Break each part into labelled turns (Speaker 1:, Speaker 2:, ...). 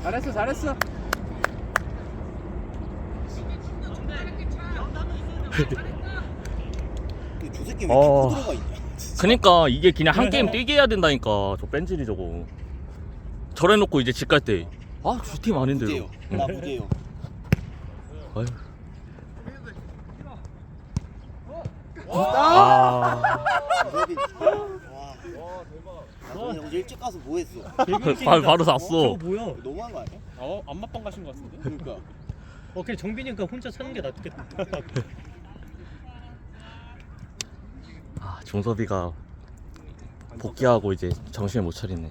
Speaker 1: 잘했어 잘했어.
Speaker 2: 저 새끼 왜 이렇게 들어가 있냐?
Speaker 3: 그니까 이게 그냥 한 게임 뛰게 해야 된다니까. 저 뺀질이 저거 저래놓고 이제 집 갈 때 아 저 팀 아닌데.
Speaker 2: 무제요. 나 무제요.
Speaker 3: 아유.
Speaker 1: 아.
Speaker 2: 무섭이. 와. 나 어제 일찍 가서 뭐 했어?
Speaker 3: 바로 샀어.
Speaker 4: 저거 뭐야?
Speaker 2: 너무한 거 아니야?
Speaker 1: 안마빵 가신 것 같은데.
Speaker 2: 그러니까.
Speaker 4: 그냥 정빈이가 혼자 사는 게 낫겠다.
Speaker 3: 아 종섭이가 복귀하고 이제 정신을 못 차리네.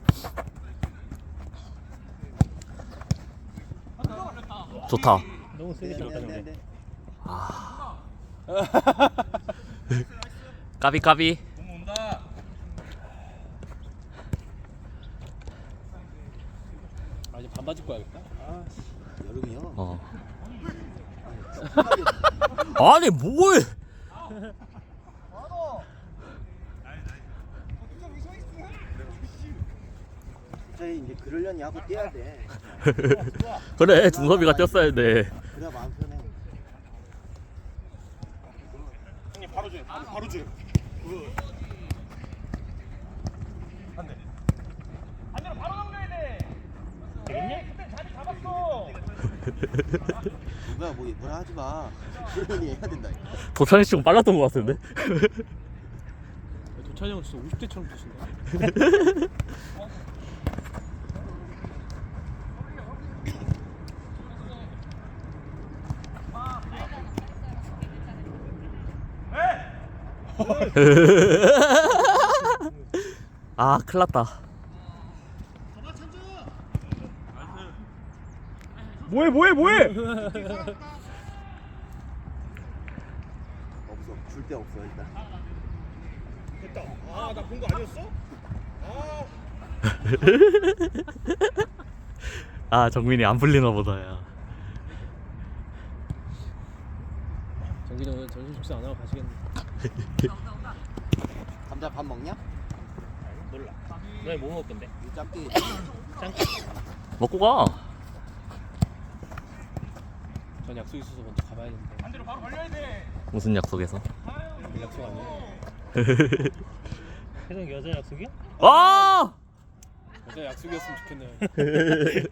Speaker 3: 좋다.
Speaker 4: 너무 세게 들어가 정빈.
Speaker 3: 아. 까비 까비.
Speaker 1: 아 이제 반바지 입고 야겠다. 아
Speaker 2: 여름이요.
Speaker 3: 어. 아니 뭘?
Speaker 2: 저희 이제 그러려니 하고 뛰어야 돼.
Speaker 3: 그래 종섭이가 뛰었어야 돼.
Speaker 2: 그래야 마음 편해.
Speaker 1: 형님 바로 줘. 바로 줘.
Speaker 2: 누가 뭐라 하지 마. 그러려니 해야 된다.
Speaker 3: 도찬이 씨가 빨랐던 것 같은데.
Speaker 1: 도찬이 형 진짜 50대처럼 뛰신다.
Speaker 3: 아 큰일났다.
Speaker 1: 뭐해?
Speaker 2: 없어. 줄 데 없어 일단.
Speaker 1: 됐다. 아 나 본 거 아니었어?
Speaker 3: 아 정민이 안 풀리나 보다야.
Speaker 1: 정빈이 오늘 점심 식사 안 하고 가시겠네.
Speaker 2: 감자 밥 먹냐?
Speaker 4: 몰라. 너희 뭐 먹을 건데?
Speaker 2: 이 짬띠.
Speaker 3: 먹고 가.
Speaker 1: 전 약속 있어서 먼저 가봐야 되는데.
Speaker 3: 무슨 약속에서?
Speaker 1: 약속 아니에요.
Speaker 4: 혜성 여자 약속이야?
Speaker 3: 와!
Speaker 1: 여자 약속이었으면 좋겠네요.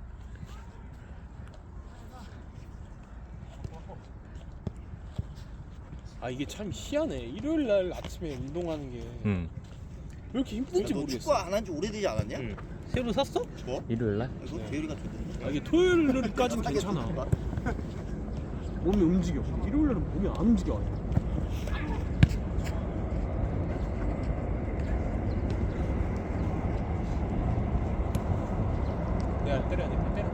Speaker 1: 아 이게 참 희한해. 일요일 날 아침에 운동하는 게 왜 이렇게 힘든지
Speaker 2: 너 축구
Speaker 1: 모르겠어.
Speaker 2: 안 한 지 오래되지 않았냐?
Speaker 4: 응. 새로 샀어?
Speaker 2: 뭐?
Speaker 3: 일요일 날?
Speaker 2: 이거 대율이가 줬는데.
Speaker 1: 아, 이게 토요일까지는 괜찮아. 몸이 움직여. 일요일 날은 몸이 안 움직여. 내가 때려야 돼. 때려.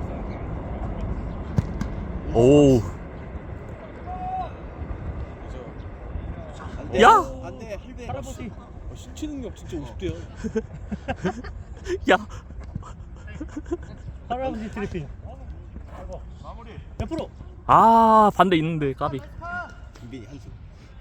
Speaker 3: 오.
Speaker 2: 안 돼.
Speaker 3: 야!
Speaker 2: 안 돼. 할배.
Speaker 4: 할아버지.
Speaker 1: 신체 능력 진짜 50대야.
Speaker 3: 야.
Speaker 4: 할아버지 트리핑. 옆으로.
Speaker 3: 아 반대 있는데 까비.
Speaker 2: 김빈이 한수.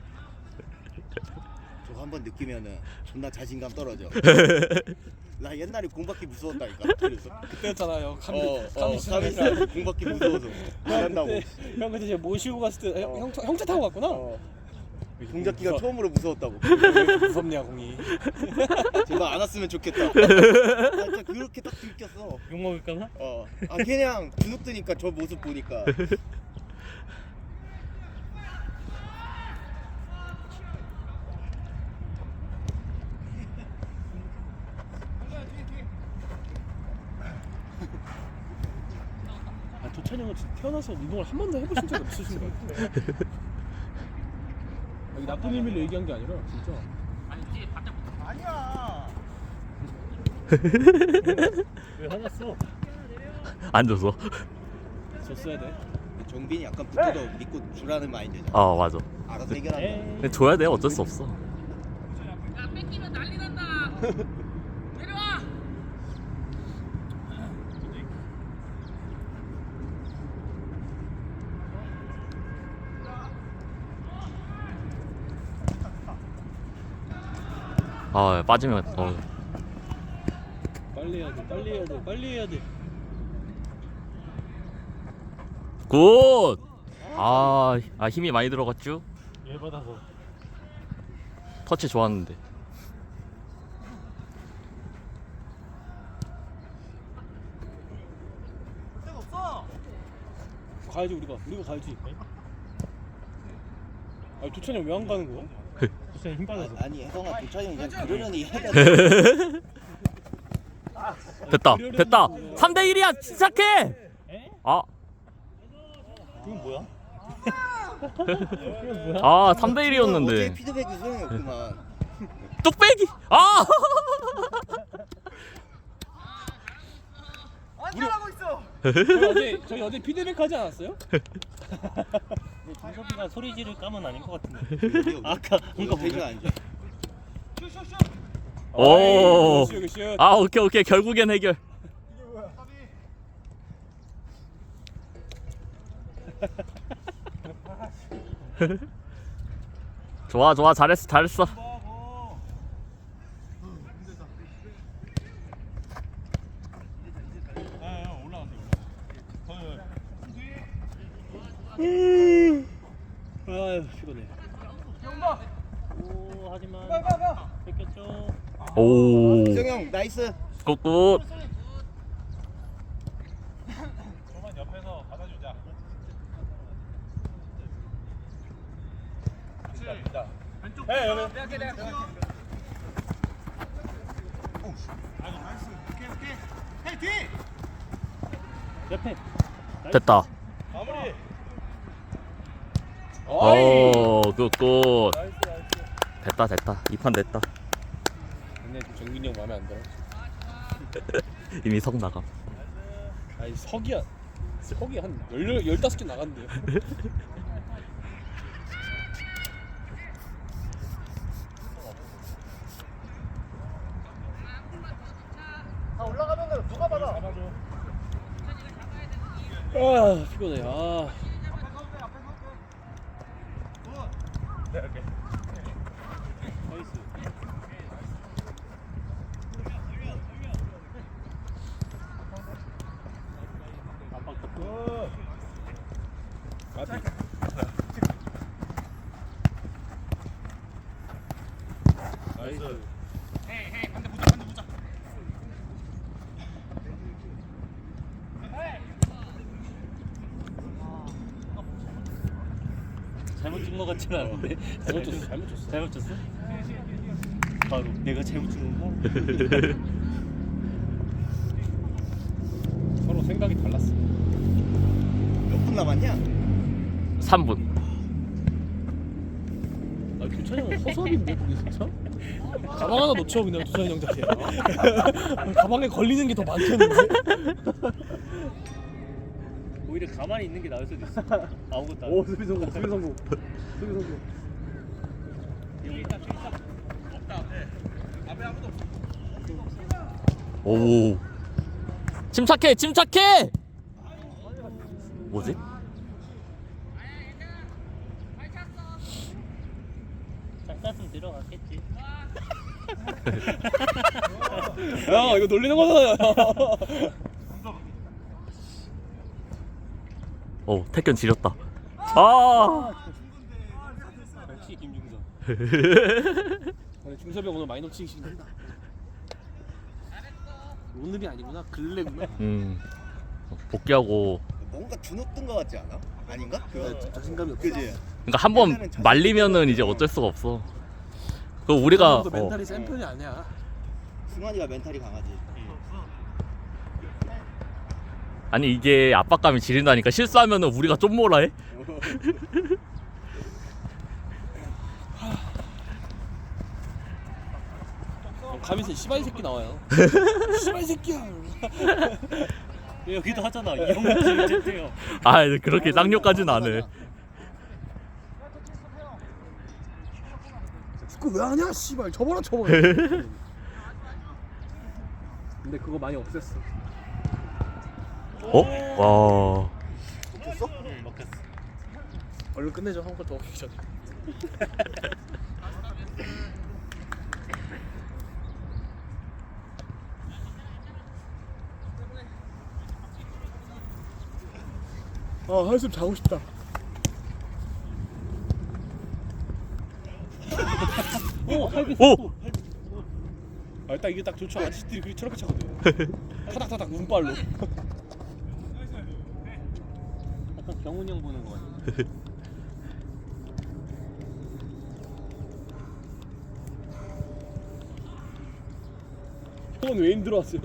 Speaker 2: 저거 한번 느끼면은 존나 자신감 떨어져. 나 옛날에 공받기 무서웠다니까. 그래서.
Speaker 1: 그때였잖아요. 감이
Speaker 2: 감이 공받기 무서워서. 잘한다고.
Speaker 1: 형 그때 제가 모시고 갔을 때 형차 타고 갔구나.
Speaker 2: 공잡기가 처음으로 무서웠다고.
Speaker 1: 왜 이렇게 무섭냐 공이.
Speaker 2: 제발 안 왔으면 좋겠다. 아, 진짜 그렇게 딱 들켰어.
Speaker 4: 욕 먹을까봐?
Speaker 2: 아 그냥 주눅 드니까 저 모습 보니까.
Speaker 1: 아 도찬이 형은 진짜 태어나서 운동을 한 번도 해보신 적이 없으신 것 같아요. 여기 나쁜 의미로 얘기한 게 아니라 진짜.
Speaker 4: 왜 화났어?
Speaker 3: 안 줬어.
Speaker 1: 졌어야 돼.
Speaker 2: 정빈이 약간 붙어도 믿고 주라는 마인드잖아.
Speaker 3: 아 맞아.
Speaker 2: 알아서 해결한다.
Speaker 3: 근데 줘야 돼. 어쩔 수 없어.
Speaker 5: 야 뺏기면 난리 난다. 내려와.
Speaker 3: 아 빠지면
Speaker 1: 빨리 해야지.
Speaker 4: 빨리 해야 돼. 빨리 해야 돼.
Speaker 3: 굿! 힘이 많이 들어갔죠?
Speaker 4: 열 받아서.
Speaker 3: 터치 좋았는데.
Speaker 1: 가야지 우리가 가야지. 아니 도찬이 형 왜 안 가는 거야?
Speaker 4: 진짜 힘 빠져서.
Speaker 2: 아니 혜성아 도찬이 그냥 그러려니 해야 돼.
Speaker 3: 됐다. 3대1이야. 시작해.
Speaker 4: 에?
Speaker 3: 아,
Speaker 4: 이건 뭐야?
Speaker 3: 3대1이었는데.
Speaker 2: 어제 피드백이 소용이 없구만.
Speaker 3: 뚝배기.
Speaker 1: 저희 어제 피드백 하지 않았어요?
Speaker 4: 준섭이가 소리 지를 까면 아닌 것 같은데.
Speaker 2: 아까 뭔가 배가 안 좋아.
Speaker 3: 오.
Speaker 1: 슛.
Speaker 3: 오케이. 결국엔 해결. 좋아. 잘했어.
Speaker 1: 아유 피곤해.
Speaker 4: 오 하지만 뺏겼죠.
Speaker 3: 오.
Speaker 2: 혜성 형 나이스.
Speaker 3: 굿.
Speaker 4: 옆에.
Speaker 3: 됐다. 굿. 됐다. 2판 됐다.
Speaker 1: 근데 정민이 형 마음에 안 들어.
Speaker 3: 이미 석 나감.
Speaker 1: 아니 석이 한 15개 나간대요. 올라가면 누가 받아? 아 피곤해.
Speaker 4: 나이스.
Speaker 1: 나이스.
Speaker 4: 잘못 준 것 같지는 않은데.
Speaker 1: 잘못 줬어.
Speaker 4: 잘못 줬어? 바로 내가 잘못 준 건가?
Speaker 1: 서로 생각이 달랐어.
Speaker 2: 몇 분 남았냐?
Speaker 3: 3분.
Speaker 1: 아 도찬이 형 허수아비인데 그게 진짜? 가방 하나 놓쳐 그냥 도찬이 형 자체. 가방에 걸리는 게 더 많겠는데?
Speaker 4: 오히려 가만히 있는 게 나을 수도 있어. 아무것도 안.
Speaker 1: 오 수비 성공.
Speaker 3: 오. 침착해. 뭐지?
Speaker 4: 짝가슴 들어갔겠지.
Speaker 1: 야 이거 놀리는 거잖아요.
Speaker 3: 오, 태견 지렸다.
Speaker 1: 역시 김중섭. 중섭이 형 오늘 많이 놓치기 싫다. 오늘이 아니구나. 근래구나.
Speaker 3: 복귀하고.
Speaker 2: 뭔가 주눅든 거 같지 않아? 아닌가?
Speaker 1: 자신감이 없어.
Speaker 2: 그지?
Speaker 3: 그러니까 한 번 말리면은 이제 어쩔 수가 없어. 그 우리가
Speaker 1: 멘탈이 센 편이 아니야.
Speaker 2: 승환이가 멘탈이 강하지.
Speaker 3: 아니 이게 압박감이 지린다니까. 실수하면은 우리가 좀 뭐라 해?
Speaker 1: 가면서 씨발 새끼 나와요. 씨발 새끼야.
Speaker 4: 여기도 하잖아. 이 형님 지금 쨌대요.
Speaker 3: 그렇게 쌍욕까지는 안 해.
Speaker 1: 그거 왜 하냐 씨발. 접어라. 근데 그거 많이 없앴어.
Speaker 3: 와.
Speaker 2: 먹혔어?
Speaker 4: 응, 먹혔어.
Speaker 1: 얼른 끝내줘. 한 번 더 먹기 전에. 한숨 자고 싶다.
Speaker 4: 오,
Speaker 3: 오!
Speaker 1: 딱 이게 딱 좋죠. 아저씨들이 그렇게 저렇게 차거든. 타닥타닥 운빨로.
Speaker 4: 약간 경훈이 형 보는 거 같아.
Speaker 1: 형은 왜 힘들어왔어요?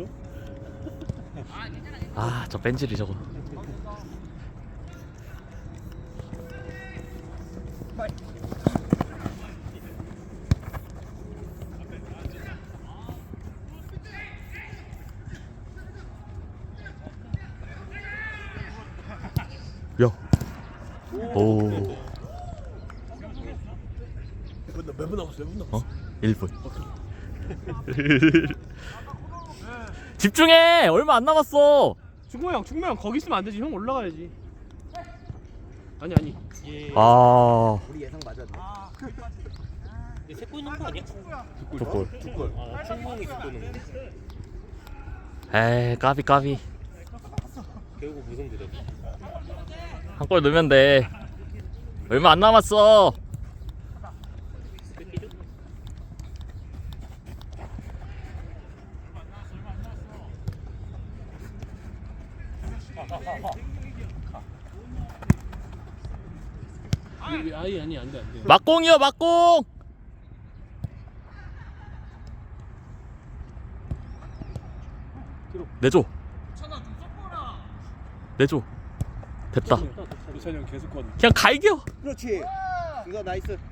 Speaker 3: 아, 저 뺀질이 저거. 야. 오.
Speaker 1: 몇 분 남았어? 몇 분 남았어?
Speaker 3: 1분. 집중해. 얼마 안 남았어.
Speaker 1: 충무형 거기 있으면 안 되지. 형 올라가야지. 아니.
Speaker 3: 아.
Speaker 2: 우리 예상 맞았네.
Speaker 4: 이게 세골 넣은 거 아니야?
Speaker 3: 저골.
Speaker 4: 아, 충분히 세골 넣은 거.
Speaker 3: 에이, 까비.
Speaker 4: 결국 무슨 드랍?
Speaker 3: 한 골 넣으면 돼. 얼마 안 남았어.
Speaker 1: 아니 안 돼.
Speaker 3: 막공이요, 막공. 내줘. 내줘. 됐다.
Speaker 1: 유찬이 형 계속 건.
Speaker 3: 그냥 갈겨.
Speaker 2: 그렇지. 이거 나이스.